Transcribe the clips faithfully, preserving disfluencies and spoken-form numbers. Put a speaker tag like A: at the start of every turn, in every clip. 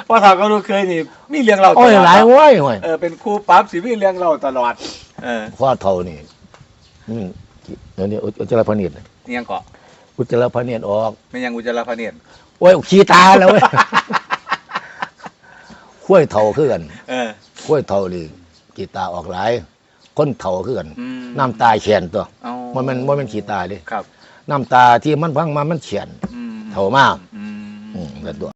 A: พอถามก็รู้เคยนี่มีเรื่องเราตล
B: โอ้
A: อย ด
B: หลายโว้ยโว้ย
A: เออเป็นครูปั๊บสิมีเรื่องเราตลอดเออ
B: พ่อเท่านี่อืมเดี๋ยวนี้อุจจาระพเนียด
A: นี่ยังเกาะ
B: อุจจาระพเนียดออก
A: ไม่ยังอุจจาระพเนียด
B: โอ้ยขี้ตาแล้วเว้ยข้วยเท่าคือกัน
A: เออ
B: ข้วยเท่านี่ขี้ตาออกหลายคนเท่าคือกัน
A: อืม
B: น้ำตาเฉียนตัว
A: เอา
B: มันมันมันเป็นขี้ตาดิ
A: ครับ
B: น้ำตาที่มันพังมามันเฉียน
A: อืม
B: เท่ามาก
A: อืม
B: อืมแล้วตัว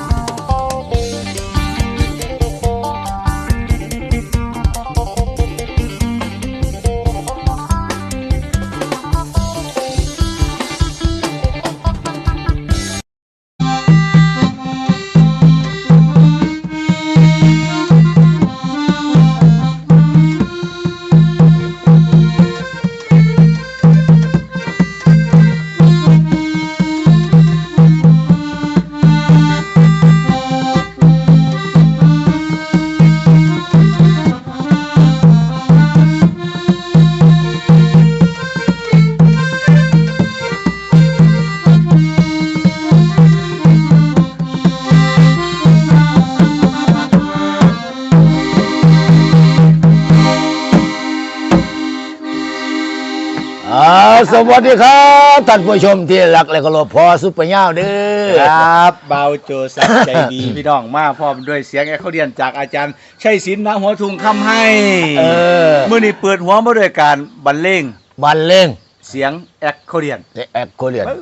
B: สวัสดีครับท่านผู้ชมที่รักและเคารพพอซุปเปอร์ย่าเด้อ
A: ครับเบาโจสักใจดี พี่น้องมาพร้อมด้วยเสียงแอคเขาเรียนจากอาจารย์ชัยศิลป์ณหัวทุงคำให้
B: เออ
A: เมื่อนี้เปิดหัวมาด้วยการบรรเลง
B: บันเลง
A: เสียงแอคเขาเรียน
B: แอกโคเรียน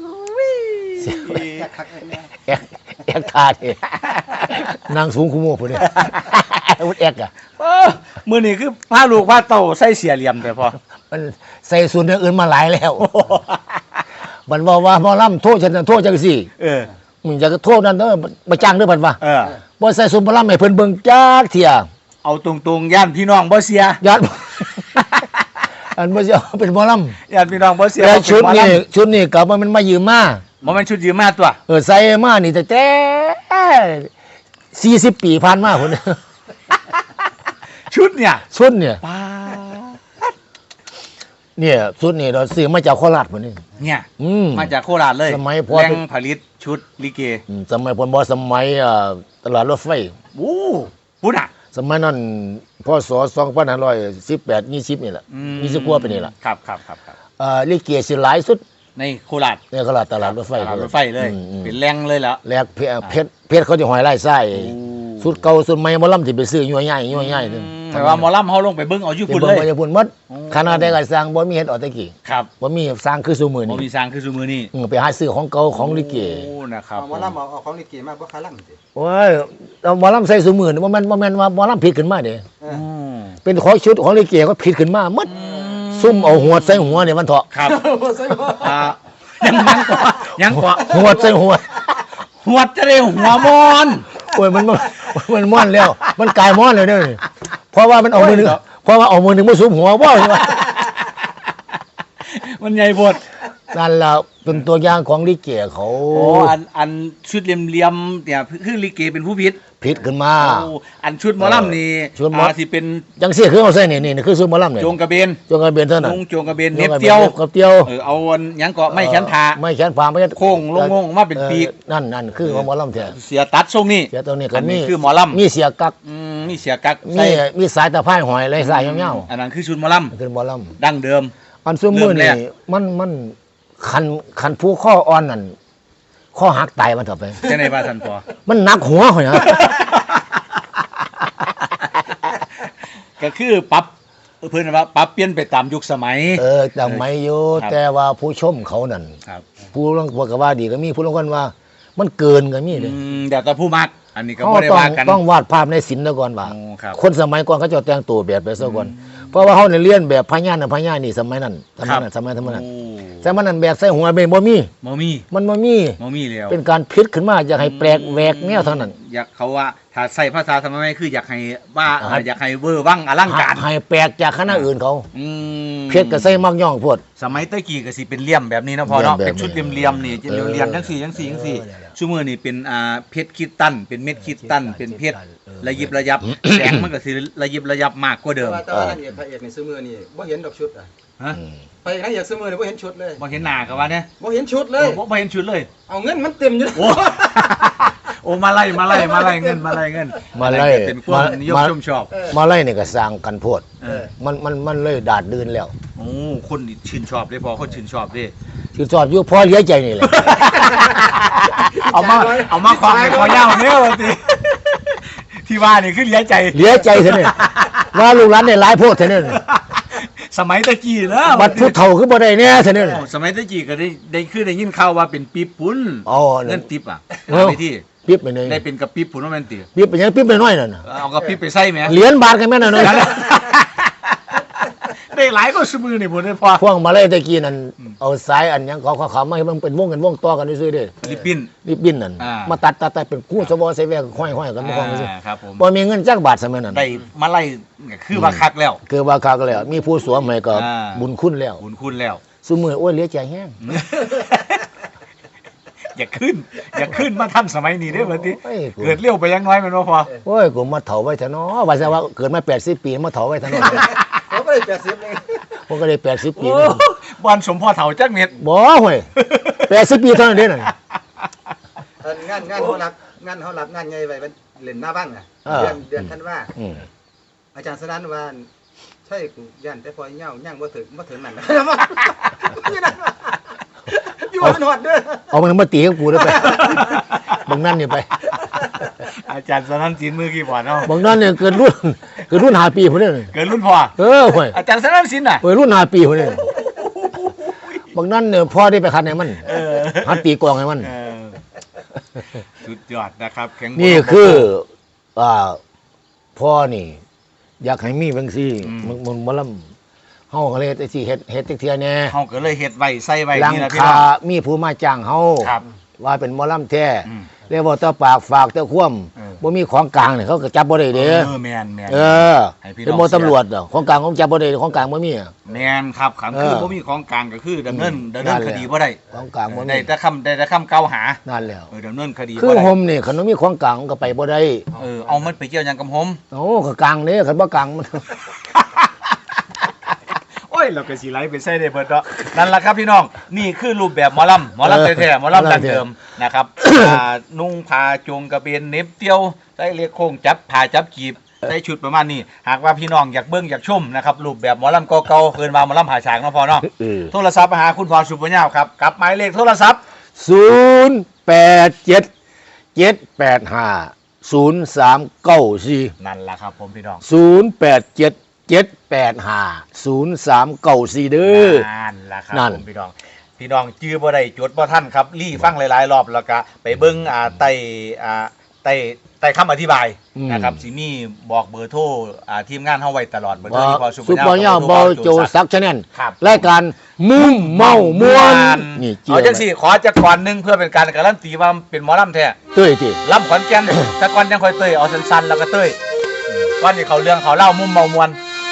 B: แอกแอกทาเทนางสูงคุโมผู้นี้วุฒแอกอะ
A: เออมื่อนี้คือพาลูกพาเต่าใส่เสียเหลี่ยมแต่พอ
B: มันใส่ส่วนอย่างอื่นมาหลายแล้วมันบอกว่าหมอลำโทษฉันนะโทษจังสิ
A: เออ
B: มึงอยากจะโทษนั่นเด้อมาจ้างเด้อพันว่า
A: เออ
B: บ่ใส่ส่วนหมอลำให้เพิ่นเบิ่งจักเที่ย
A: เอาตรงๆย่านพี่น้องบ่เสีย
B: ญาติ อันบ่สิเอาเป็นหมอลำ
A: ย่านพี่น้องบ่เสีย
B: แต่
A: เอาเป็
B: ชุด
A: หมอ
B: นี้
A: ลำ
B: ชุดนี้กลับมามันมายืมมา
A: บ่แม่นชุดยืมมาตัว
B: เออใส่มานี่แต่แต่สี่สิบปีผ่านมาพุ่น
A: ชุดเนี่ย
B: ชุดเนี่ย
A: ป้า
B: เนี่ยชุดนี่เราซื้อมาจากโคราชพุ่นนี่
A: เนี่ย
B: อืม
A: มาจากโคราชเลย
B: สมัยพ่อ
A: แหล่งผลิตชุดลิเก
B: อืมสมัยพลบอสมัยอ่าตลาดรถไฟ
A: โอ้พูดอ่ะ
B: สมัยนั้นพศสองพันห้าร้อยสิบแปดยี่สิบนี่แหละ
A: อืม
B: ยี่สิบกว่าไปนี่แหละ
A: ครับครับครับครับ
B: อ่าลิเกสิหลายสุด
A: ในโคราช
B: ในตลาดตลาดรถไฟ
A: ตลาดรถไฟเลย
B: อืมอืม
A: เป็นแหล่งเลยแล้ว
B: แลกเพชรเพชรเพชรเขาจะหอยไล่ไส้สุดเก่าสุดใหม่หมอลำที่ไปซื้อยัวใหญ่ยัวใหญ่นึง
A: แต่ว่าหมอลำเขาลงไปเบิ้งเอาอยู่
B: เป็น
A: พุ่น
B: บ่
A: เลย
B: มาจากพุ่นหมด
A: โอ้
B: ขนาดได้ก็สร้างบ่มีเฮ็ดออกตะกี้
A: ครับ
B: บ่มีสร้างคือซุมื้อ
A: บ่
B: นี้
A: มีสร้างคือซุมือนี่
B: อืมไปหาซื้อของเก่าของลิเก
A: โอ้นะครับ
C: เอาหมอลำเอาเอาของลิเกมาบ่คาลังสิ
B: โอ้ยเอาหมอลำใส่ซุมื้อนี่บ่แม่นบ่แม่นว่าหมอลำผิดขึ้นมาเด้
C: เอ
A: อื
C: อ
A: ม
B: เป็นของชุดของลิเกก็ผิดขึ้นมาหมดซุ่มเอาหัวใส่หัวเนี่ยมันเถาะ
A: ครับ
C: บ่ใส่บ่
A: อ่ายังยังกว่ายังกว่า
B: หัวใส่หัว
A: หัวจะได้หัวมอน
B: โอ้ยมันมันมันม่อนแล้ว มันกลายม่อนเลยเด้อเพราะว่ามันเอามือหนึงเพราะว่าเอามือหนึงมาซุมหัวบ่
A: มันใหญ่บด
B: นั่นล่ะเป็นตัวอย่างของลิเกเขา
A: โอ้อันอันชุดเหลี่ยมๆเนี่ยคือลิเกเป็นผู้พิษ
B: ผิดขึ้นมา
A: โอ้อันชุดหมอลำนี่
B: ชุดหมอ
A: อ่าที่เป็น
B: จังซี่คือเอาใส่นี่นี่คือซุมหมอลำเนี่ย
A: โจงกระเบน
B: จงกระเบนเท่านั้น
A: นุ่งโจงกระเบนเน็บเตียว
B: กับเตียว
A: เออเอาอันหยังเกาะไม่แขนขา
B: ไม่แขนผาไม่
A: โค้งลงงงมาเป็นปีก
B: ออนั่นนั่นคือของหมอลำแท้
A: เสียตัดทรงนี่
B: เสียตัวนี้ก็
A: อัน
B: มี
A: นี้คือหมอลำ
B: มีเสียกัก
A: อืมมีเสียกัก
B: มี
A: ใส่
B: มีสายตะไคร้หอยเลยสายยาว
A: อันนั้นคือชุดหมอล
B: ๆคือหมอล
A: ำดั้งเดิม
B: ำอันซุมือ
A: เริ่มแร
B: นี่
A: ก
B: มันมันคันคันผู้ข้ออ่อนนั่นข้อหักตายมันต่อไป
A: ใช่ในพาสันปอ
B: มันหนักหัวหอยนะ
A: ก็คือปรับเพื่อนว่าปรับเปลี่ยนไปตามยุคสมัย
B: เออแต่ไม่อยู่
A: ครับ
B: แต่ว่าผู้ชมเขานั่น
A: ครับ
B: ผู้ลงบอกว่าดีก็มีผู้ลงกันว่า มันเกินก็มีเลย
A: อืมเดี๋ยวแต่ผู้มัก อันนี้ก็
B: เขา
A: ไม่ได้
B: ต้อง
A: ว่ากัน
B: ต้องวาดภาพในศิลป์ซะก่อนว่า
A: โอ้ครับ
B: คนสมัยก่อนเขาจะแต่งตัวแบบไปซะก่อนเพราะว่าเขาเนี่ยเรียนแบบพญานาคพญานี่สมัยนั้นสมัยนั้นสมัยสมัยนั้น
A: โอ้
B: สมัยนั้นแบบใส่หัวเป็นบ่มี
A: มมี
B: มันบ่มี
A: มมีแล้ว
B: เป็นการพิษขึ้นมาอยากให้แปลกแหวกแนวเท่านั้น
A: อยากเขาว่าถ้าใส่ภาษาสมัยใหม่คืออยากให้ว่า
B: อ่า
A: อยากให้เวอร์วังอลังการ
B: ให้แปลกจากคณะอื่นเขา
A: อืม
B: เพชรก็ใส่มักย่องพวด
A: สมัยตะกี้ก็สิเป็นเหลี่ยมแบบนี้นะพอเนาะ
B: เหลี่ยมแบบ
A: เป็นชุดเหลี่ยมๆนี่จะ
B: เออ
A: เหลี่ยมๆจังสี่จังสี่จังสี่
B: เออเนี่ย
A: ชั่วโมงนี่เป็นอ่าเพชรคิดตันเป็นเม็ดคิดตันเป็นเพชร
B: เออ
A: ระยิบระยับ แสงมันก็สิระยิบระยับมากกว่าเดิ
C: แต่
A: ม
C: ว่าแต่ว่านางเอกพระเอกในซื้อมือนี่บ่เห็นดอกชุดอ่ะ
A: ฮะ
B: อืม
C: พระเอกนางเอกซื้อมือนี่บ่เห็นชุดเลย
A: บ่เห็นหน้ากับว่าเนี่ย
C: บ่เห็นชุดเลย
A: บ่บ่เห็นชุดเลย
C: เอาเงินมันเต็มอยู่
A: โอ้โอ้มาไล่มาไล่มาไล่เงินมาไล่เงิน
B: มาไล่
A: อันนั้นก็เป็นความนิยม
B: มา
A: ชมชอบ
B: มาไล่นี่ก็สร้างกันโพด
A: เออ
B: มันมันมันเลยดาดดืนแล้ว
A: โอ้คนนี่ชื่นชอบได้พอคนชื่นชอบดิ
B: คือสอบอยู่พอเหลี้ยใจนี่แหละ
A: เอามาเอามาความในคอยาวเนี่ยวันทีที่ว่านี่คือเหลี้ยใจ
B: เหลี้ยใจเท่านี้ว่าลูกหลานได้หลายโพดเท่านี้
A: สมัยตะกี้นะ
B: บัดผู้เฒ่าคือบ่ได้แน่เท่านี้
A: โอ้สมัยตะกี้ก็ได้ได้คือได้ยินข่าวว่าเป็นปี๊บปุ้น
B: อ๋อ
A: เงินติ๊บอ่ะ
B: เออ
A: ในที่
B: ปิ๊บไปเลย
A: ได้เป็นกับปี๊บปุ้นว่าแมันตี
B: ปิ๊บไปยังปิ๊บน้อยๆนั่นน่ะ
A: เอากับปี๊บไปใส่ไหม
B: เหรียญบาทกันแม่นน่ะ
A: ได้หลายก็สมือนี่ผมได้พอ
B: พวกมาไล่ตะกี้นั่นเอาสายอันหยังเขาเขาเขามาให้มันเป็นวงกันวงต่อกันซื่อๆเด้
A: ลิปปิน
B: รีบบินนั่น
A: อ่าม
B: มาตัดตัดตัดเป็นคู่สวอใส่แวกห้อยๆกันบ่ของซื่อ
A: อ่าครับผม
B: บ่มีเงินจักบาทสมัยนั้น
A: ได้มาไล่ก็คือว่าคักแล้ว
B: คือว่าคักแล้วมีผู้สวมให้ก็
A: อ่า
B: บุญคุณแล้ว
A: บุญคุณแล้ว
B: ซุมื้อโอ้ยเหลี้ยใจแฮง
A: อย่าขึ้น อย่าขึ้นมาทันสมัยนี้เด้อบัดนี้
B: โอ้ยกู
A: เกิดเร็วไปยังน้อยแมันบ่พอ
B: โอ้ยกูมาเฒ่าไว้เถอะเนาะว่าซะว่าเกิดมาแปดสิบปีมาเฒ่าไว้เถอะเนาะ
C: เขาก็ได้แปดสิบเลย
B: ผมก็ได้แปดสิบปี
A: โอ้บอนสมพ่อเฒ่าจักเม็ด
B: บ่ห่วยแปดสิบปีเท่านั้นเด้นั่น
C: เอองานงานเขารับงานเขารับงานใหญ่ไว้เป็นเล่นหน้าบ้างอ่ะ
B: เออ
C: เดือนเดือนธันวา
B: อืม
C: อาจารย์สนั่นว่าใช่กูย่านแต่พอเหี่ยวย่างบ่ถึงบ่ถึงนั่นนะนี่นั่นว่ะอยู่มันหอดเด้อ
B: เอามันมาตีกับกูเด้อไปบางนั่นนี่ไป
A: อาจารย์สนั่นสินมือกี่บอดเนาะ
B: บางนั่นเนี่ยเกิดรุ่นเกิดรุ่นห้าปีพุ่นเด้อ
A: เกิดรุ่นพ่อ
B: เออห่วย
A: อาจารย์สนั่นสินน่ะ
B: เกิดรุ่นห้าปีพุ่นเด้อบางนั่นเนี่ยพ่อได้ไปคันให้มัน
A: เออ
B: หัดตีกลองให้มัน
A: เออสุดยอดนะครับแข็ง
B: นี่คืออ่าพ่อนี่ อยากให้มีบางซี่
A: อืม
B: มันมันบ่ลำเฮาก็เลยไอ้สิเฮ็ดเฮ็ดจักเที่ยแหน่
A: เฮาก็เลยเฮ็ดไว้ใส่ไว้
B: หลัง
A: นี่นะพี่
B: คา
A: น้อง
B: มีผู้มาจ้างเฮา
A: ครับ
B: ว่าเป็นหมอลำแท้
A: อืม
B: เรียกว่าตาปากฝากตาคว่
A: เออ
B: ำบ่มีของกลางเนี่ยเขาก็จับบ่ได้เด้
A: เออแม่นแม่น
B: เออ
A: ให้พี่น้อง
B: เป็นหมอตำรวจดอกของกลางของจับบ่ได้ของกลางบ่มีอะ
A: แม่นครับขังคือ
B: เออ
A: บ่มีของกลางก็คือดำเนิน
B: อืม
A: ดำเนิน
B: นั่นแห
A: ค
B: ละ
A: ดีบ่ได้
B: ของกลางบ่มี
A: ได้แต่คำได้แต่คำกล่าวหา
B: นั่นแล้ว
A: เออดำเนินคดี
B: คือ
A: บ่ได้
B: โฮมนี่คันบ่มีของกลางมันก็ไปบ่ได้
A: เออเอามันไปเกี่ยวหยังกับผม
B: โอ้ก็กลางเด้คันบ่กลางมัน
A: โอ้ยเราก็สิไลฟ์ไปใส่ได้เบิดเนาะนั่นล่ะครับพี่น้องนี่คือรูปแบบหมอลำหมอลำแท้ๆหมอลำดั้งเดิมนะครับอ่านุ่งผ้าจงกระเบนเหน็บเตียวใส่เลียกโค้งจับผ้าจับกีบใส่ชุดประมาณนี้หากว่าพี่น้องอยากเบิ่งอยากชมนะครับรูปแบบหมอลำเก่าๆเพิ่นว่าหมอลำผาฉากเนาะพอเนาะ
B: เออ
A: โทรศัพท์มาหาคุณพรสุปัญญาครับกับหมายเลขโทรศัพท์
B: ศูนย์แปดเจ็ด เจ็ดแปดห้า ศูนย์สามเก้าสี่
A: นั่นล่ะครับผมพี่น้อง
B: ศูนย์แปดเจ็ด เจ็ดแปดห้า ศูนย์สามเก้าสี่เด้อ
A: นั่นล่ะครับ
B: นั่น
A: ผมพี่น้องพี่น้องจื้อบ่ได้จดบ่ทันครับรีฟังหลายๆรอบแล้วก็ไปเบิ่งอ่าใต้อ่าใต้ใต้คำอธิบาย
B: อืม
A: นะครับสิมีบอกเบอร์โทรอ่าทีมงานเฮาไว้ตลอดเบอร์โทร
B: ว่า
A: ที่พอสุ
B: ซุปเปอร์ย่าเบาโจซักชาแนล
A: ครับ
B: รายการมุ่มเมามวนนี่เจี
A: เอาจังสี่ขอจักก่อนหนึงเพื่อเป็นการการันตีว่าเป็นหมอลำแท้
B: เต้ยติ
A: ลำขอนแก่น แต่ก่อนยังค่อยเต้ยเอาสั้นๆแล้วก็เต้ยก่อนที่เขาเรื่องเขาเล่ามุมเมามวน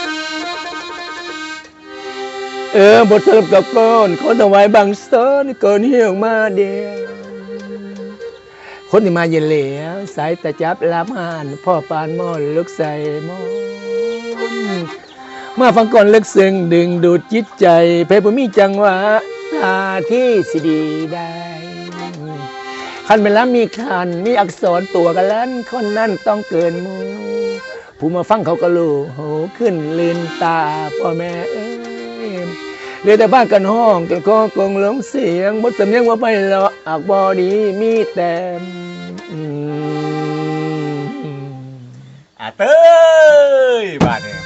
B: เออบทสรุปกับก้อนขอถวายบางสอนเกินเหี่ยวมาเดียวคนที่มาเย็นเหลียวสายตาจับลาบหานพ่อปานมอนลึกใส่มอนมาฟังก่อนลึกซึ้งดึงดูดจิตใจเพลงบ่มีจังหวะท่าที่สิดีได้คันเป็นแล้วมีคันมีอักษรตัวกันแล้วคนนั้นต้องเกินหมูผู้มาฟังเขาก็รู้โหขึ้นลืนตาพ่อแม่เอ้ยเรียกแต่บ้านกันห้องกันก็กงหลงเสียงบทสำเนียงว่าไปเลาะอักบอดีมีแต่อืม
A: อ่าเต้ยบาดเนี่ย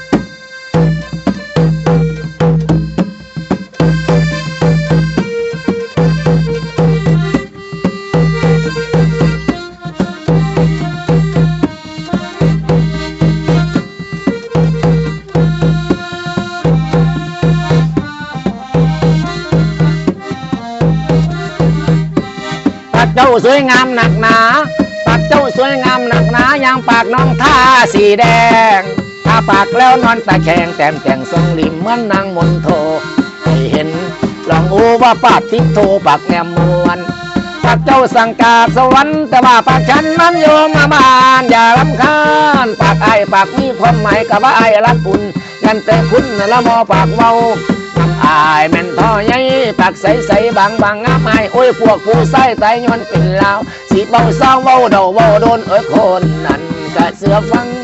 B: ปากเจ้าสวยงามหนักหนาปากเจ้าสวยงามหนักหนาอย่างปากน้องท่าสีแดงถ้าปากแล้วนอนตะแคงแต้มแต่งทรงริมเหมือนนางมนโทให้เห็นลองอูว่าปากทิพโทปากแนมมวนปากเจ้าสังกาสวรรค์แต่ว่าปากฉันนั้นโยมมาบ้านอย่ารำคาญปากไอ้ปากมีความหมายกับว่าไอ้รักอุ่นยันแต่คุณละมอปากเว้านำออายแม่นพ่อใหญ่ปากใสใสบางบางงามไอโอ้ยพวกผู้ใส่ไตย้อนเป็นลาวสิเบาเศร้าเบาเดาเบาโดนเอ้ยคนนั้นกะเสือฟัง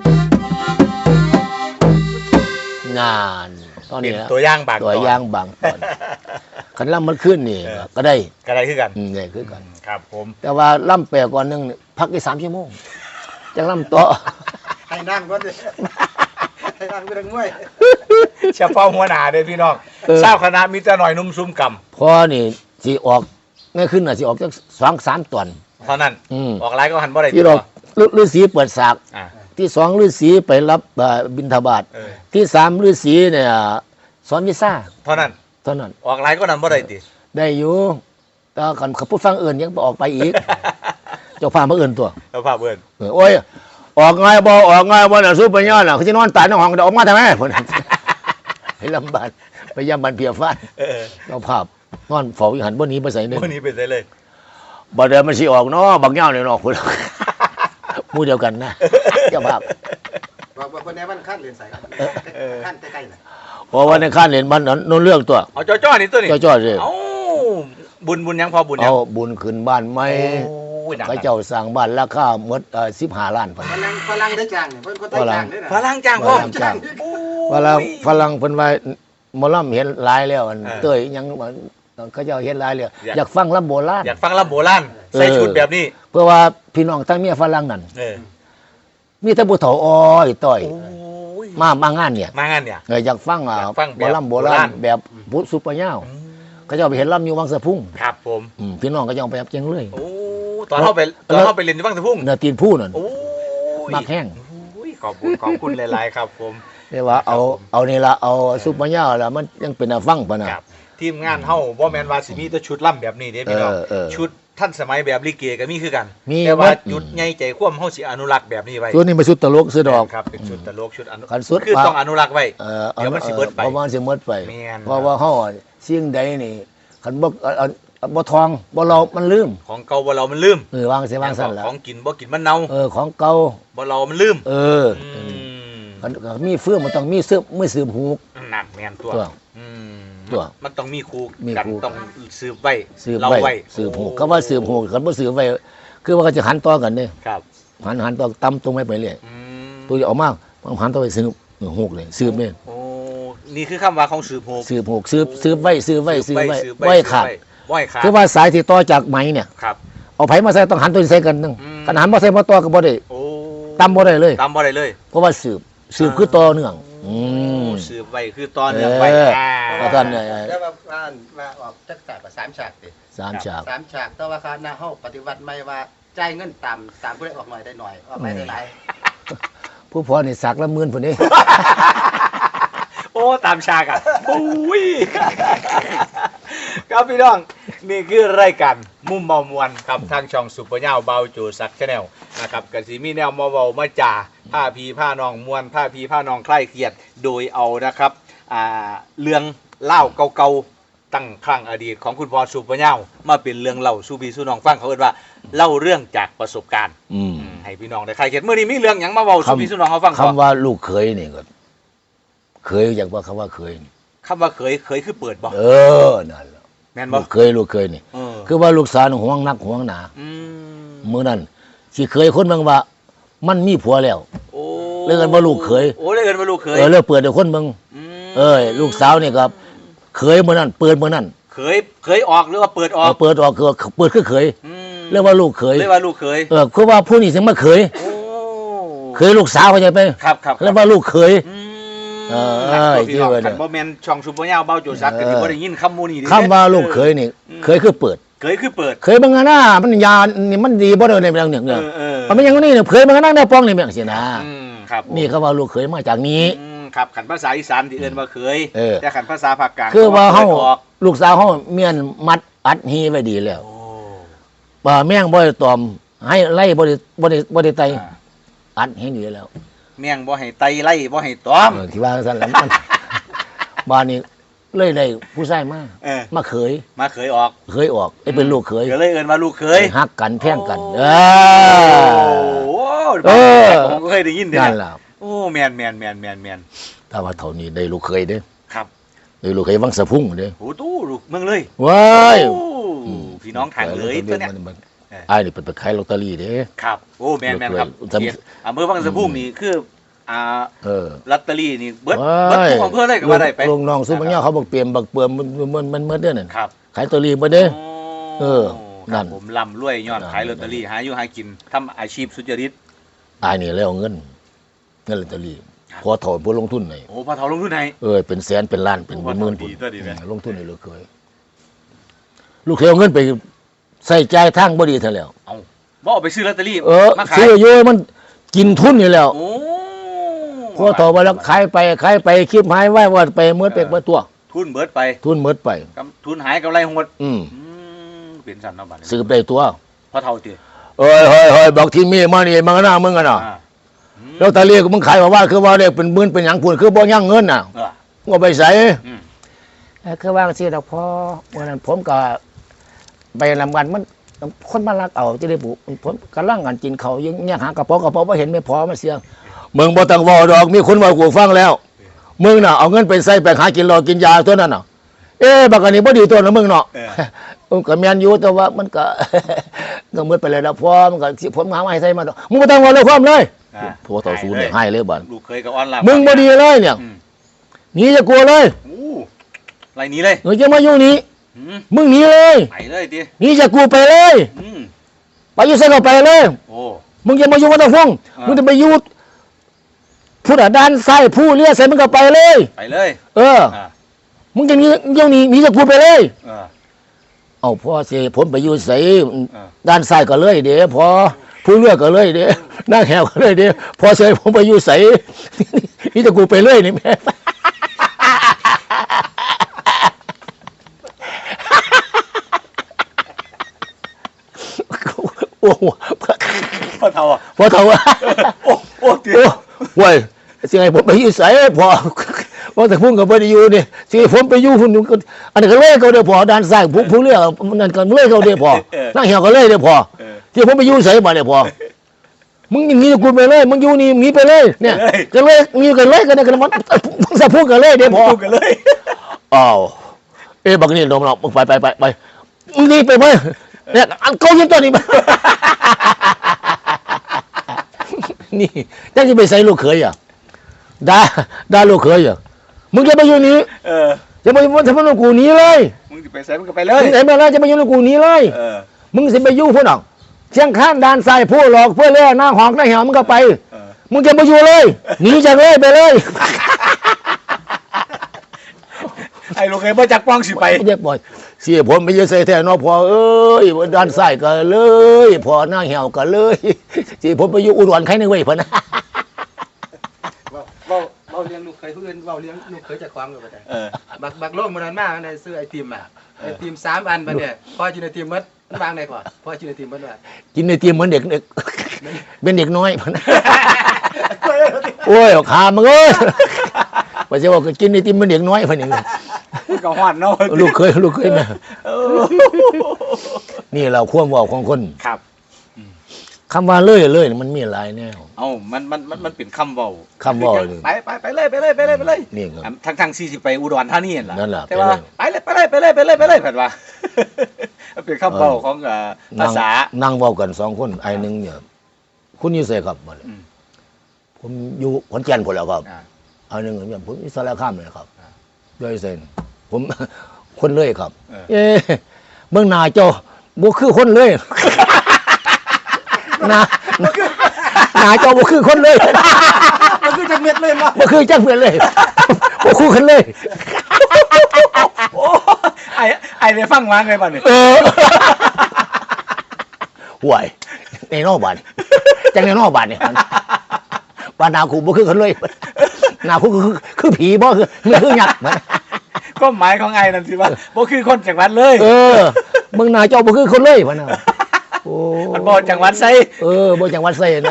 B: งานตอน
A: เป็
B: นี้
A: น
B: นะ
A: ตัวอย่างบาง
B: ตัว
A: ตอน
B: อย่างบางตอนคันล่ำมันขึ้นนี่ก็ได้
A: ก็ได้คือกัน
B: อืมได้คือกัน
A: ครับผม
B: แต่ว่าล่ำแปลก่อนหนึงนี่พักได้สามชั่วโมงจังล่ำต่อ
C: ให้นั่งก่อนดิให้นั่งไปทางมวย
A: เฉพาะหัวหน้าเด้อพี่น้อง
B: เออ
A: เศร้าคณะมีแต่หน่อยนุ่มซุ่มก
B: พอนี่สิออกง่ายขึ้นน่ะสิออกจักสองสามตอน
A: ำเท่านั้น
B: อืม
A: ออกไลน์ก็หันบ่ได้
B: ที่เราฤาษีเปิดสาก
A: อ่า
B: ที่สองฤาษีไปรับเอ่อบิณฑบาต
A: เออ
B: ที่สามฤาษีเนี่ยสอนวิซ่า
A: เท่านั้น
B: เท่านั้น
A: ออกไลน์ก็นั้นบ่ได้ติ
B: ได้อยู่แต่ก่อนเขาพูดฟังเอื่นยังบ่ออกไปอีก เจ้าพามาเอื่นตัว
A: แล้วภาพเบิ่น
B: เออโอ้ยออกไงบ่ออกไงบ่น่ะสู้ไปย้อนน่ะเขาจะนอนตายในห้องเดี๋ยวออกมาทำไม พุ่นให้ลำบากไปยามบันเพียฟ้าน
A: เออ
B: เจ้าภาพนอนเฝ้าอยู่หันบ่หนี้ไปใส่หนึง
A: วันนี้เป็นไสเลย
B: บ่เดินมันสิออกเนาะบักเหย้าเนี่ยเนาะพุ่น หมู่เดียวกันนะเจ้าภาพ
C: บอกว่าคนนี้มันขั้นเรียนสายครับขั้นใกล้ๆน่ะ
B: เพราะว่าในข้านเล่นมันโน่นเรื่องตัว
A: เอาจ้อๆนี่ตัวนี้
B: จ้อๆเลย
A: เอ้าบุญบุญยังพอบุญยั
B: เอา
A: ง
B: บุญขึ้นบ้านใหม่
A: โอ้ยดัง
B: พระเจ้าสร้างบ้านราคาหมดเอ่อสิบห้าล้านพัน
C: ฝรั่งฝรั่งได้จ้างเนี่ยเพิ่นคนได้จ้างด้วยนะ
A: ฝรั่งจ้างพ่อ
B: ฝรั่งจ้าง
A: โอ้ย
B: ฝรั่งฝรั่งเพิ่นว่าหมอลำเห็นหลายแล้วอัน
A: เออ
B: เต้ยยังเขาเจ้าเห็นหลายแล้ว
A: อยาก
B: อยากฟังลำโบราณ
A: อยากฟังลำโบราณใส่
B: เออ
A: ชุดแบบนี้
B: เพื่อว่าพี่น้องทั้งเมียฝรั่งนั่น
A: เออ
B: มีแต่ผู้เฒ่าอ้อยต้อย
A: โอ้ย
B: มามางานเนี่ย
A: มางานเนี่ย
B: เอออยากฟังอ่ะ
A: อยากฟัง
B: ห
A: แบ
B: ม
A: บ
B: อลำโบราณ
A: โบราณ
B: แบบพุทธสุปยาว
A: อืม
B: เขาเจ้าไปเห็นลำอยู่วังสะพุ่ง
A: ครับผม
B: อืมพี่น้องก็ยังไปรับเจียงเลย
A: โอ้ตอนเข้าไปตอนเข้าไปเรียนที่บ้างสะพุ่ง
B: เนื้อตีนผู้นั่น
A: โอ้ย
B: มักแห้ง
A: โอ้ยขอบคุณขอบคุณหลายๆครับผม
B: เรียกว่าเอาเอานี่ละเอาซุปเปอร์ยาวแล้วมันยังเป็นอาฟังปะนะครับ
A: ทีมงานเฮาบ่แม่นว่าสิมีแต่ชุดล่ำแบบนี้เด้พี่น้อง
B: เออเออ
A: ชุดท่านสมัยแบบลิเกก็มีคือกัน
B: มี
A: แต่ว่า
B: หมด
A: จุดใหญ่ใจคว่ำเฮาสิอนุรักษ์แบบนี้ไว้
B: ส่วนนี้มาชุดตลกซื้อดอก
A: ครับเป็นชุดตลกชุดอนุ
B: คันสุด
A: คือ
B: ว่า
A: ต้องอนุรักษ์ไว้
B: เออ
A: เดี๋ยวมันสิเบิดไป
B: เพราะว่ามันสิเบิดไป
A: แม่น
B: เพราะว่าเฮาสิ่งใดนี่คันบ่เอ่อเอ่อบ่ทองบ่เรามันลืม
A: ของเก่าบ่เรามันลืม
B: เออวางสิวางซั่นล่ะ
A: ของกินบ่กินมันเน่า
B: เออของเก่า
A: บ่เรามันลืม
B: เออ
A: อืม
B: คันมีเฟื่องมันต้องมีซึบมือสืบหูก
A: นั่นแม่นตัว
B: ตัว
A: อืม
B: ตัว
A: มันต้องมีครู
B: มี
A: กัน
B: ครู
A: ต้องสืบไว้
B: สืบ
A: เรา
B: ไว้
A: ไว้
B: สืบหูกคำว่าสืบหูกคันบ่สืบไว้คือว่าเขาจะหันต่อกันเด้
A: ครับ
B: หันหันต่อตำตรงไปไปเรื่อย
A: อืม
B: ตัวจะออกมามันหันต่อไปสืบหูกเลยสืบเนี่ย
A: โอ้นี่คือคำว่าของสืบโหก
B: สืบหูกสืบสืบไว้สืบไว้สืบไว้
A: สืบ
B: ไว้ขาด
A: ไว้ขาด
B: คือว่าสายที่ต่อจากไหมเนี่ย
A: ครับ
B: เอาไผมาใส่ต้องหันตัวนี้ใส่กันนึง
A: อืม
B: กันหันมาใส่มาต่อก็บ่ได้
A: โอ้
B: ตำบ่ได้เลย
A: ตำบ่ได้เลย
B: เพราะว่าสืบสืบคือต่อเนื่องอืม
A: สืบไว้คือตอนเนื่องไว้
B: เออ
A: อ่า
B: ว่าท่านเนี่ย
C: แล้วว่าว่าว่าออกจักฉากว่าสามฉากติ
B: สามฉาก
C: สามฉากแต่ว่าคณะเฮาปฏิวัติใหม่ว่าจ่ายเงินตามตามผู้ใดออกหน่อยได้หน่อยออกหลายได้หลาย
B: ผู้พอนี่สักละหมื่นพุ่นนี่
A: โอ้ตามฉากอ่ะโอ้ยครับพี่น้องนี่คือรายการมุมเมามวนครับทางช่องสุปเปอร์เน่าเบาโจซักชาแนลนะครับกสิมีแนวมาเบามาจ่าผ้าพีผ้านองมวนผ้าพีผ้านองคลายเครียดโดยเอานะครับอ่าเรื่องเล่าเก่าๆตั้งครั้งอดีตของคุณพ่อสุปเปอร์เน่ามาเป็นเรื่องเล่าสู่พี่สู่น้องฟังเขาเอิ้นว่าเล่าเรื่องจากประสบการณ์
B: อืม
A: ให้พี่น้องได้คลายเครียดเมื่อนี้มีเรื่องหยังมาเบาสู่พี่สู่น้องเขาฟัง
B: คำว่าลูกเคยนี่ก็เคยอยากว่าคำว่าเคยนี่
A: คำว่าเคยเคยคือเปิดบ่
B: เออนั่นล่ะ
A: แม่นบ่
B: ลูกเคยลูกเคยนี่
A: เออ
B: คือว่าลูกสาวนี่ห่วงนักห่วงหนา
A: อืม
B: มื้อนั้นสิเคยคนเบิ่งว่า มันมีผัวแล้ว
A: โอ้
B: เรียกกันว่าลูกเขย
A: โอ้เรียกกันว่าลูกเขย
B: เออแล้วเปิดให้คนเบิ่ง
A: ม
B: เอ้ยลูกสาวนี่ครับเคยมื้อนั้นเปิดมื้อนั้น
A: เขยเขยออกหรือว่าเปิดออ
B: เอก อเปิดออกคือเปิดคือเคย
A: อืม
B: เรียกว่าลูกเคย
A: เรียกว่าลูกเขย
B: เออคือว่าผู้นี้ถึงมาเคย
A: โอ้
B: เคยลูกสาวเข้าใจไหม
A: ครับครับ
B: เรียกว่าลูกเคย
A: อืม
B: เออ
A: ครับ
B: เออ
A: พี่น้อง
B: ที่ว่าเนี่
A: คั
B: ย
A: นบ่แม่นช่องซุปเปอร์ยาวเบาโจซักก็
B: เออ
A: สิบ่ได้ยินคำหมู่นี้เด้
B: คำว่าลูกเคยนี่ เคยคือเปิด
A: เขยคือเปิด
B: เคยบางงานน่ะมันยานี่มันดีบ่ได้ในเรื่องเนี่ย
A: เอ
B: เนี่ย
A: อเออ
B: มันไม่อยังนี้เนี่ยเคยบางงานนั่งได้ป้องนี่แม่งสินะ
A: อืมครับผม
B: นี่คำว่าลูกเคยมาจากนี้
A: อืมครับขันภาษาอีสานที่เอิ้นว่าเขย
B: เออ
A: แต่ขันภาษาภาคกลาง
B: คือว่าเฮา
A: ขออก
B: ลูกสาวเฮาเมียนมัดอัดฮีไว้ดีแล้ว
A: โอ้
B: ป่าแม่งบ่ได้ตอม ให้ไล่บ่ได้บ่ได้บ่ได้ไต
A: อ่า
B: อัดให้ดีแล้ว
A: แม่งบ่ให้ไตไล่บ่ให้ตอม
B: เออที่ว่าซั่นแหละมัน บ้านนี้เลยได้ผู้ชายมา
A: เออ
B: มาเคย
A: มาเขยออก
B: เคยออกไอ้เป็นลูกเคย
A: ก็เลยเอิ้นว่าลูกเขย
B: ฮักกันแพงกัน เอ
A: โอ้
B: อ
A: โห
B: เออ
A: ผมก็เคยได้ยินเด้
B: นั่
A: อน
B: ล่ะ
A: โอ้แมนแมนแมนแมนแมน
B: ถ้าว่าเท่านี้ได้ลูกเคยเด้อ
A: ครับ
B: เออลูกเคยวังสะพุ่งเด้
A: โอ้ตู้ลูกเมืองเลย
B: ว้าย
A: โอ้พี่น้องทางเลยตัวเนี้ย
B: ไอ้นี่เป็นไปขายลอตเตอรี่เด้
A: ครับโอ้แมนแมนครับ
B: จำ
A: เขตอำเภอวังสะพุงนี่คืออ่า
B: เออ
A: ลอตเตอรี่นี่เบิดเบิดทุกอำเภอเลยก็ว่าได้ไป
B: ลงน้องซุปเปอร์เนี่ยเขาบอกเปลี่ยนบักเปลือมมันมันมันมันเด้อนั่น
A: ครับ
B: ขายลอตเตอรี่บ่เด้ เออนั่
A: นั่
B: น
A: นผมร่ำรวยย้อน
B: นั่น
A: ขายลอตเตอรี่หาอยู่หากินทำอาชีพสุจริต
B: ไอ้นี่แล้วเอาเงินเงินลอตเตอรี่พอถอนผู้ลงทุนให้
A: โอ้พอเฒ่าลงทุนให้
B: เออเป็นแสนเป็นล้านเป็น
A: โอ้
B: หมื่น
A: ดี
B: พุ่น
A: ตัวดีแม่
B: ลงทุนให้ลูกเคยลูกเคยเอาเงินไปใส่จ่ายทางบ่ดีเท่าแล้ว
A: เอาบ่เอาไปซื้อลอตเตอรี่
B: เออ
A: มาขาย
B: ซื้อเยอะมันกินทุนนี่แล้ว
A: โอ้
B: พอต่อไปแล้วขายไปขายไปคลิปหายไว้ว่าไปเมื่อเป็กเมื่อตัว
A: ทุนเบิดไป
B: ทุนหมดไป
A: กำทุนหายกำไรหด
B: อืม
A: อืมเป็นสันเนาะบัดนี้
B: ซื้อได้ตัว
A: พอเฒ่าติ
B: เอ้ยเฮ้ยเฮ้ยบอกที่มีมานี่มันก็น่ามึงกันน่ะ
A: อ่าอืม
B: แล้วตาเรียกมึงขายว่าว่าคือว่าเรียกเป็นหมื่นเป็นหยังพูนคือบ่ยั่งเงินน่ะ
A: เออ
B: ก็ไปใส่
A: อืม
B: เอ้ยคือว่าสิดอกพอวันนั้นผมก็ไปลำกันมันคนมาลักเอาจะได้บุผมกำลังงานกินเขาวยังยังหากระเป๋ากระเป๋าบ่เห็นไม่พอมาเสียงมึงบ่ต้องเว้าดอกมีคนเว้ากูฟังแล้วมึงน่ะเอาเงินไปใส่ไปหากินรอกินยาตัวนั้นน่ะเอ๊ะบักอันนี้บ่ดีตัวนะมึงเนาะ
A: เออ
B: ผมก็แม่นอยู่แต่ว่ามันก็ ก็มืดไปเลยแล้วพอมันก็สิผมหามาให้ใส่มาดอกมึงบ่ต้องเว้าเลยความเลย
A: อ่า
B: พอต่อสู้เนี่ยให้เลยบัด
A: ลูกเคยกับออนไลน์
B: มึงบ่ดีเลยเนี่ย
A: อืม
B: หนีจะกลัวเลย
A: โอ้ไรนี้เลย
B: เออจะมาอยู่นี่
A: อืม
B: มึงหนีเลย
A: ไปเลยติ
B: หนีจะกูไปเลย
A: อืม
B: ไปอยู่ไสก็ไปเลย
A: โอ้
B: มึงจะมาอยู่วัดตะฟง
A: อ่ามึ
B: มึงจะไปอยู่ผู้ด้านซ้ายผู้เลี้ยใส่มึงก็ไปเลย
A: ไปเลย
B: เออ
A: อ่า
B: มึงจะหนีเดี๋ยวหนี้หนีจะกูไปเลย
A: เออ
B: เอาพ่อสิผมไปอยู่ไส
A: อ่า
B: ด้านซ้ายก็เลยเด้พอผู้เลือกก็เลยเด้นั่งแหวก็เลยเด้พอเสยผมไปอยู่ไส นี่จะกูไปเลยนี่แม่ โอ้โห
A: พอเฒ่าอ่ะ
B: พอเท่าว่า
A: โอ้โอ้ติ
B: โอ้เว้ยสิให้ผมไปอยู่ไสพอว่าแต่พุ่งกับบ่ได้อยู่นี่สิให้ผมไปอยู่พุ่นก็อันนี้ก็เลยเขาเด้อพอด้านซ้ายผู้ผู้เลือกนั่นก็เลยเขาเด้อพอนั่งแหวก็เลยเด้อพอ
A: เออ
B: ที่ผมไปอยู่ไสมาเนี่ยพอ มึงอย่างนี้กูไปเลย มึงอยู่นี่หนีไปเลย เนี่ย
A: เลย
B: ก็เลยมีกันเลยกันเนี่ยกันมันมึงจะพูดกันเลยเดี๋ยวพอ
A: พูดกันเลย
B: อ้าวเอ๊ะบักนี่ลงเรามึงไปไปไปไปมึงหนี่ไปไหมเนี่ยอันเขายิงตัวนี้มา นี่ยังจะไปใส่ลูกเขยอ่ะด่าด่าลูกเขยอ่ะมึงจะไปอยู่นี่
A: เออ
B: จะไปทำไมลูกกูหนีเลย
A: มึงจะไปใส่มึงก็ไปเลย
B: มึงไหนมาแล้วจะไปอยู่ลูกกูหนีเลย
A: เออ
B: มึงสิไปอยู่พุ่นอ่ะเชียงข้านด้านซ้ายผู้หลอกเพื่อเล่หน้าหอกหน้าเหี่ยวมึงก็ไป
A: เออ
B: มึงจะมาอยู่เลยหนีจากเลยไปเลย
A: ไอ้ลูกเคยบ่จักป้องสิไป
B: เรียกบ่อยเสียผมไปเยอะใส่แท้เนอพอเอ้ยด้านซ้ายก็เลยพอหน้าเหี่ยวก็เลยเสียผมไปอยู่อุดรใครนึงไว้พะนะ
C: เว้าเว้าเว้าเลี้ยงลูกเคยผู้อื่นเว้าเลี้ยงลูกเคยจากความก็บ่ได้
A: เออ
C: บักบักโลกมันนั้นมากในซื้อไอติมอ่ะไอติมสามอันบัดเนี่ยพอกินไอติมหมดมันวางได้ก่อนพอกินไอติมหมดว่า
B: กินในเตรียมเหมือนเด็กเด็กเป็นเด็กน้อยพะนะโอ้ยขามึงเอ้ยว่าจะบอกก็กินในเตรียมเหมือนเด็กน้อยพะนี่
A: มันก็ฮอดเนาะ
B: ลูกเคยลูกเคยแม่
A: เออ
B: นี่เราความเว่าของคน
A: ครับ
B: คำว่าเลื่อยเลื่อยมันมีหลายแนว
A: เอ้ามันมันมันมันเป็นคำเว้า
B: คำเว้าเลย
A: ไปไปไปเลยไปเลยไปเลยไปเลย
B: นี่ครับ
A: ทั้งทั้งสี่สิไปอุดรธานีนั่นล่ะ
B: นั่นล่ะ
A: แต่ว่าไปเลยไปเลยไปเลยไปเลยไปเลยเพิ่นว่า มันเป็นคำเว้าของเอ่อภาษา
B: นั่งเว้ากันสองคนไอ้หนึ่งเนี่ยคุณอยู่ไสครับบัดนี้
A: อืม
B: ผมอยู่ขอนแก่นพุ่นแหล้วครับ
A: อ่า
B: อันหนึ่งเนี่ยผมอิสระข้ามเลยครับ
A: อ่า
B: ด้วยเซนผม คนเลยครับ
A: เออ
B: เอ๊ะเมืองนาเจ้าบ่คือคนเลย นานาเจ้าบ่คือคนเลย
C: มันคือจักเม็ดเลยเนาะ
B: บ่คือจังเพื่อนเลย บ่คู่กันเลย
A: โอ้ไอ้ไอ้ได้ฟังมาไงบัดนี้
B: เออห่วยในนอกบ้านจังในนอกบ้านเนี่ยบ้านนาคูบ่คือกันเลยนาคูคือคือผีบ่คือไม่คือหยักษ์มัน
A: ก็หมายของไอ้นั่นสิว่าบ่คือคนจังหวัดเลย
B: เออเมืองนาเจ้าบ่คือคนเลยพะนะโอ้
A: มันบ่จังหวัดไส
B: เออบ่จังหวัดไสนะ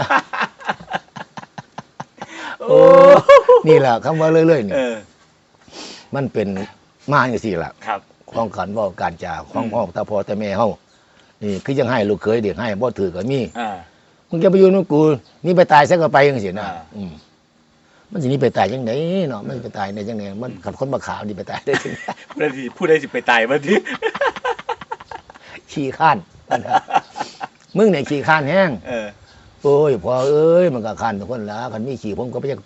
A: โอ้
B: นี่แหละคำว่าเรื่อยๆนี่
A: เออ
B: มันเป็นมาอย่างสี่ล่ะ
A: ครับ
B: ของขันเว่าการจาของ
A: อืม
B: พ่อตาพ่อแต่แม่เฮานี่คือยังให้ลูกเคยเด็กให้บ่ถือก็มี
A: อ่า
B: มึงจะไปอยู่นู่นกูนี่ไปตายซะก็ไปจังซี่นะ
A: อ่า
B: อืมมันสิหนี้ไปตายจังไดเนาะมันสิไปตายได้จังไดมันขัดคนบ่ขาวนี่ไปตายได้จังได
A: ผู้ใดสิผู้ใดสิไปตายบัดนี้
B: ขี้ข้านปัญหามึงเนี่ยขี้ข้านแห้ง
A: เออ
B: โอ้ยพอเอ้ยมันก็ข้านทุกคนละคันมีขี้ผมก็บ่อยากไป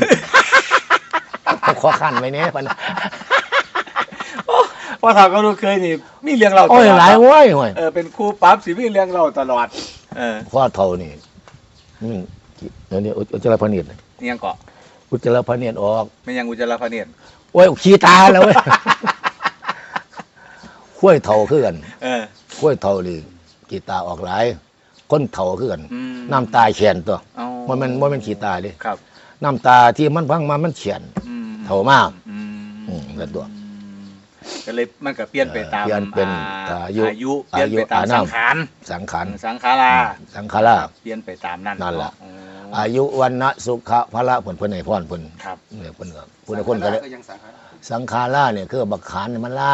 B: ขอข้านไว้แหน่ปัญหา
A: ว่าเขาก็รู้เคยนี่มีเรื่องเราตล
B: โอ้
A: อย ด
B: หลายโว้ยโว้ย
A: เออเป็นครูปั๊บสิมีเรื่องเราตลอดเออ
B: พ่อเฒ่านี่อืมเดี๋ยวนี้อุจจาระพเนียด
A: นี่ยังเกาะ
B: อุจจาระพเนียดออก
A: ไม่ยังอุจจาระพเนียด
B: โอ้ยขี้ตาแล้วเว้ย ข้วยเฒ่าคือกัน
A: เออ
B: ข้วยเฒ่านี่ขี้ตาออกหลายคนเฒ่าคือกัน
A: อืม
B: น้ำตาแฉนตัว
A: เอา
B: มันมันมันเป็นขี้ตาเดิ
A: ครับ
B: น้ำตาที่มันพังมามันเฉียน
A: อืม
B: เฒ่ามาก
A: อืม
B: อืมแล้วตัว
A: ก็เลยมันก็เปลี่ยนไปตาม
B: เปลี่ยนเป็น
A: อ่
B: อายุ
A: อายุเปลี่ยนไปตาม
B: อายุ
A: สังขาร
B: สังขาร
A: สังขารา
B: สังขารา
A: เปลี่ยนไปตามนั้น
B: นั่นล่ะ
A: อ๋อ
B: อายุวันนะสุขะพละเพิ่นเพิ่นให้พรเพิ่น
A: ครับ
B: เนี่ยเพิ่นก็ผู้ใดคนก็ได้
C: ยังสังขาร
B: สังขาราเนี่ยคือบักขานเนี่ยมันล่า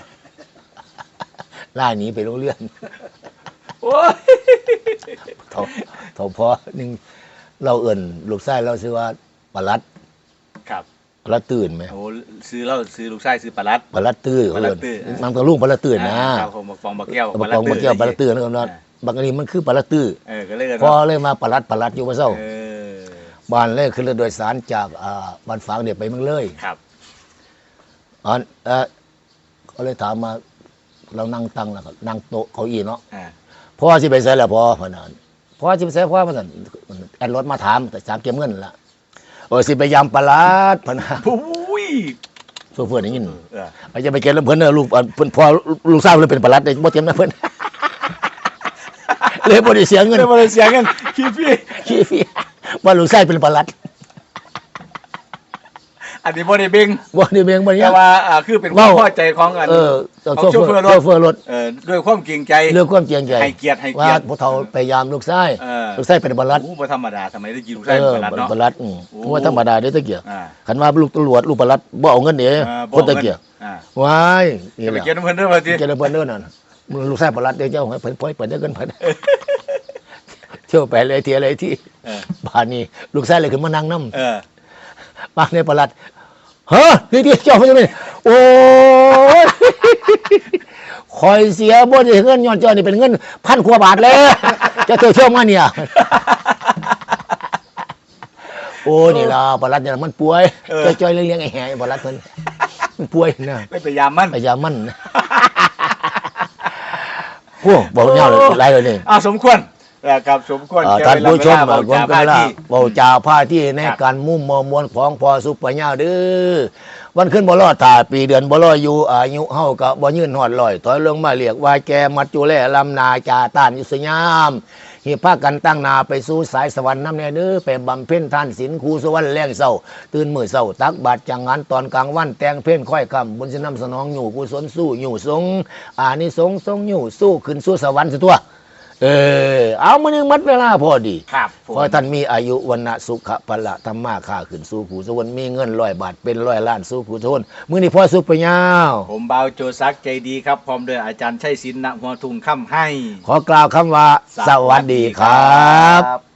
B: ล่าหนีไปโรงเรียน
A: โอ้ย
B: เท่าเท่าพอหนึงเราเอิ่นลูกชายเราชื่อว่าปลัด
A: ครับ
B: ปลัดตื่นไหม
A: โอ้ซื้อแล้วซื้อลูกชายซื้อปลาลัด
B: ปลัดตื้อ
A: ปลัดตื้อ
B: มันก็ลุงปลัดตื่นนะ
A: อ่าครับผมบักฟองบักแก้ว
B: บักกองบักเกี่ยวปลัดตื่นนะครับว่าบักอันนี้มันคือปลัดตื้อ
A: เออก็เลยกัน
B: พอเลยมาปลัดปลัดอยู่ว่าเศร้า
A: เออ
B: บ้านเลยคือเรือโดยสารจากอ่าบ้านฝางเนี่ยไปเมืองเลย
A: ครับ
B: อันเออเขาเลยถามมาเรานั่งตั้งแล้วก็นั่งโต๊ะเก้าอี้เนาะ
A: อ่า
B: พ่อสิไปใส่ละพ่อพนันพ่อสิไปใส่พ่อพนันแอดรถมาถามแต่สามเก็บเงินละโอ้ยสิไปยำปลาลาดพนัน
A: ปุ้ย
B: โซเฟอร์ได้ยิน
A: เออ
B: ไปจะไปเก็บแล้วเพิ่นเนอะลูกเพิ่นพ่อลูกสาวเลยเป็นปลาลัดเลยบ่เตรียมนะเพิ่น เลยบ่ได้เสียเงิน
A: เดี๋ยวมาเลยเสียเงินคิดพี่
B: ขี้ฟรีว่าลูกชายเป็นปลาลัด
A: อันนี้บ่ได้เบ่ง
B: บ่ได้เบียงบ่ได้ห
A: แต่
B: ยัง
A: ว่าอ่าคือเป็นความพอใจของอัน
B: เออ
A: ของ
B: โซ
A: โช
B: เฟอ
A: เฟอร์
B: ร์
A: ร
B: โซ
A: ถ
B: เฟอร์รถ
A: เออด้วยความเกรงใจ
B: เรื่องความเจียงใจ
A: ให้เกียรติให้
B: ว่า
A: เกียรติ
B: ผู้เฒ่าพยายามลูกชาย
A: เออ
B: ลูกชายเป็นปลาลัด
A: โอ้บ่ธรรมดาทำไมได้กินลูก
B: เอ
A: ชาย
B: อ
A: เป็นปลาลัดเนาะ
B: ปลาลัดอืม
A: โอ้
B: ว่าธรรมดาเด้อตะเกียบ
A: อ่า
B: คันว่าลูกตำรวจลูกปลัดบ่เอาเงินเด้
A: อ่า
B: คนตะเกียบ
A: อ่า
B: ว้ายนี่
A: จะ
B: แห
A: ไป
B: ละ
A: เกียรติน้ำเพิ่นเด้อว่าสิ
B: เจริญเพิ่นเด้อนั่นมึงลูกชายปลัดเด้อเจ้าให้เพิ่นปล่อยเปิดได้เงินเพิ่น เที่ยวไปเลยเที่ยวเลยที่
A: เออ
B: บ้านนี้ลูกชายเลยขึ้นมานั่งนำ
A: เออ
B: บ้านในปลัดเฮ้อนี่ที่เจ้าเพิ่นจะเป็นโอ้ย คอยเสียบ่ได้เงินย้อนเจ้านี่เป็นเงินพันกว่าบาทแล้วจะเที่ยวเที่ยวมาเนี่ย โอ้นี่ล่ะปลัดเนี่ยมันป่วยจ้อยๆเลี้ยงๆไอ้แห่ปลัดเพิ่นมันป่วยนะ
A: ไม่พยายามมัน
B: พยายามมัน โอ้บอกเงาเลยไล่เลยนี่
A: อ่าสมควรนะครับสมควร
B: อ่า
A: แก่
B: ท่านผู้ชม
A: เวลา
B: คน
A: เวลา
B: ก็
A: เว้า
B: ละ
A: ที่
B: เบาจ่าผ้าที่ใน
A: ครับ
B: การมุ่มมอมวลของพอสุปญาเด้อวันขึ้นบ่รอดตาปีเดือนบ่รออยู่อายุเฮาก็บ่ยืนฮอดร้อยถอยลงมาเรียกว่าแกมัจจุแลลำนาจาต้านยุสยามหิพากันตั้งหนาไปสู่สายสวรรค์นำแน่เด้อไปบำเพ็ญทานศีลครูสวรรค์แรงเศร้าตื่นมื้อเศร้าตักบาตรจังงานตอนกลางวันแต่งเพลงค่อยค่ำบุญสินำสนองอยู่กุศลสู้อยู่สงอานิสงส์ทรงอยู่สู้ขึ้นสู่สวรรค์สิตัวเออเอามื้อนึงหมดเวลาพอดี
A: ครับผม
B: ขอให้ท่านมีอายุวันนะสุขะพละธรรมาค่าขึ้นสู่ผู้สวรรค์มีเงินร้อยบาทเป็นร้อยล้านสู่ผู้สวรรค์มื้อนี้พ่อสุขไปยาว
A: ผมเบาโจซักใจดีครับ พร้อมด้วยอาจารย์ชัยศิลป์ณหัวทุ่งค่ำให้
B: ขอกล่าวคำว่า สวัสดีครับ